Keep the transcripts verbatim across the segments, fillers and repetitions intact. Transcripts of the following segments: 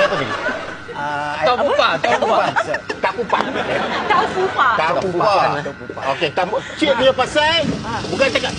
apa tadi? Tahu pupa, tahu pupa. Tak pupa. Tahu fufa. Tak pupa. Okey, tak pupa. Cik punya pasal bukan cakap.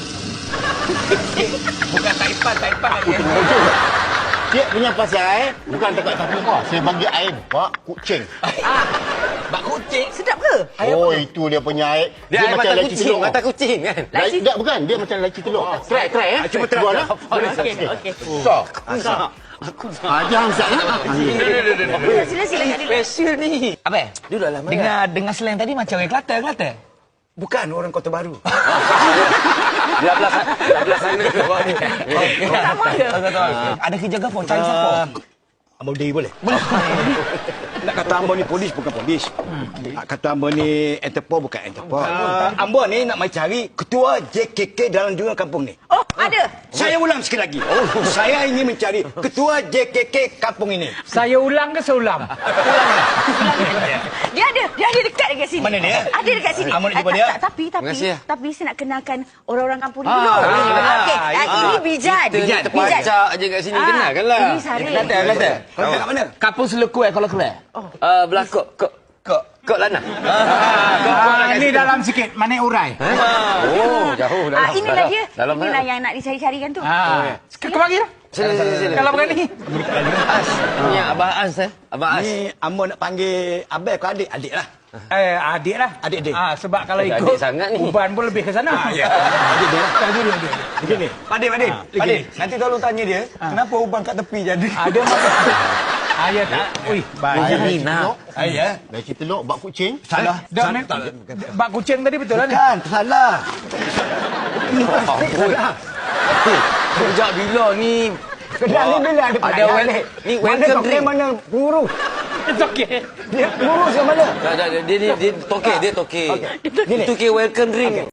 Bukan taipan, taipan lagi. Cik punya pasal bukan cakap tak pupa. Saya bagi air bak kucing. Bak kucing. Sedap ke? Oh, itu dia punya air. Dia, dia macam mata laci kucing, telur. mata kucing kan. Laci tak bukan, dia macam laci telur. Try, try eh. Cuba try. Buat lah. Okey, okey. So, ah, jangan usah eh. Sila, sila, sila. Kak Dil. Special ni. Apa? Duduklah mana? Dengar dengar slang tadi macam orang Kelantan, Kelantan. Bukan orang Kota Baru. Belah belah belah sana. Sama ke? Ada kerja apa? Cari siapa? Ambo Day boleh? Boleh. Nak kata Ambo ni polis bukan polis. Nak kata Ambo ni Interpol bukan Interpol. Ambo ni nak mai cari ketua J K K dalam dua kampung ni. Oh, ada. Saya ulang sekali lagi. Oh, saya ingin mencari ketua J K K kampung ini. Saya ulang ke seulam? Dia ada, dia ada dekat dekat sini. Mana dia? Ada dekat sini. Amor nak Ah, jumpa tak, dia? tak, Tapi, tapi, kasih, ya. tapi saya nak kenalkan orang-orang kampung ni Ah, dulu. ah, Okey, ah, ah, ini Bijan. Kita ni terpacak je kat sini. Kenalkanlah. Ini Sarif. Kelantan, Kelantan. Kau kat mana? Kapung Selukut eh kalau keluar. Uh, belah kok kok kok kok lana. Ah, ini dalam sikit, mana urai? Oh, jauh Ah, inilah dia. Dalam Inilah mana? yang nak dicari-carikan tu. Ah, kau bagi dah. Sini sini sini. Kalau berani. As. Ni Abah As eh. Abah As. Ni Ambo nak panggil abang ke adik? Adik lah. Eh, adik lah. Adik-adik. Ah, sebab kalau Adik ikut sangat ni. Uban pun lebih ke sana. Ya. Adik dia lah. Tak dulu dia. Begini. Padik padik. Padik. Nanti tolong tanya dia, kenapa uban kat tepi jadi? Ada masa. Ayah tak. Ui, baik. Laci telur. Ayah. Laci telur, bak kucing. Salah. Dah, bak kucing tadi betul lah ni? Kan, salah. Sejak bila ni? Kedai ni bila ada Ada wel ni welcome drink. Mana pengurus? It's okay. Dia pengurus yang mana? Tak tak dia dia dia toke dia toke. Itu ke welcome drink.